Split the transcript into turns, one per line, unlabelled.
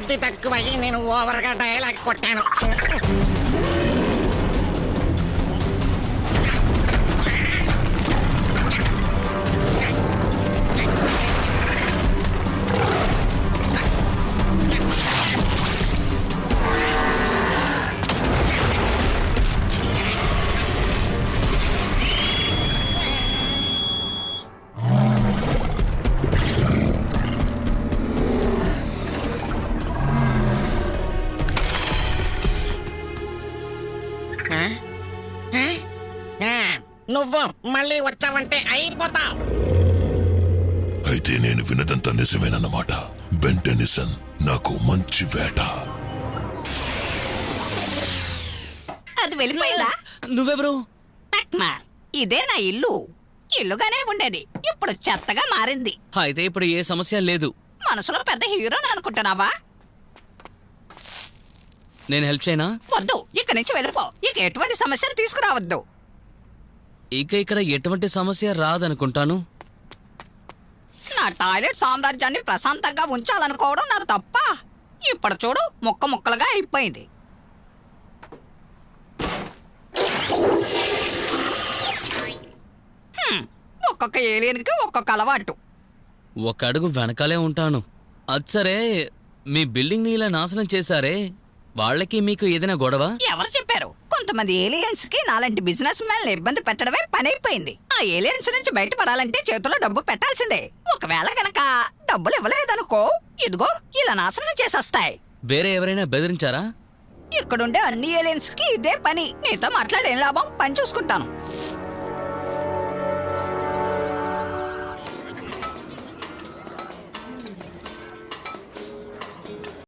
బుద్ధి తక్కువయ్యి నేను ఓవర్గా డైలాగ్ కొట్టాను. నువ్వు మళ్ళీ వచ్చావంటే అయిపోతావు.
అయితే నేను వినదంతా నిజమేనన్నమాట. బెన్ టెన్నిసన్ నాకు మంచి వేట.
అది వెళ్ళిపోయిందా?
నువ్వెవరు?
ఇదే నా ఇల్లు. ఇల్లుగానే ఉండేది, ఇప్పుడు చెత్తగా మారింది.
అయితే ఇప్పుడు ఏ సమస్య లేదు.
మనసులో పెద్ద హీరోని అనుకుంటున్నావా?
నేను హెల్ప్ చేయనా?
వద్దు, ఇక్కడి నుంచి వెళ్ళిపో. ఇక ఎటువంటి సమస్యలు తీసుకురావద్దు.
ఇక ఇక్కడ ఎటువంటి సమస్య రాదనుకుంటాను.
నా టాయిలెట్ సామ్రాజ్యాన్ని ప్రశాంతంగా ఉంచాలనుకోవడం నాకు తప్ప. ఇప్పుడు చూడు, ముక్క ముక్కలుగా అయిపోయింది. ఒక్కొక్క ఏలియన్కి ఒక్కొక్క అలవాటు.
ఒక అడుగు వెనకాలే ఉంటాను. అచ్చరే, మీ బిల్డింగ్ ని ఇలా నాశనం చేశారే, వాళ్ళకి మీకు ఏదైనా గొడవ?
ఎవరు చెప్పారు? కొంతమంది ఏలియన్స్ కి నాలాంటి బిజినెస్ మ్యాన్ ఇబ్బంది పెట్టడమే పనైపోయింది. ఆ ఏలియన్స్ నుంచి బయటపడాలంటే చేతిలో డబ్బు పెట్టాల్సిందే. ఒకవేళ గనక డబ్బులు ఇవ్వలేదనుకో, ఇదిగో ఇలా నాశనం చేసేస్తాయి.
వేరే ఎవరైనా బెదిరించారా?
ఇక్కడుండే అన్ని ఏలియన్స్ కి ఇదే పని. నీతో మాట్లాడేం లాభం? పని చూసుకుంటాను.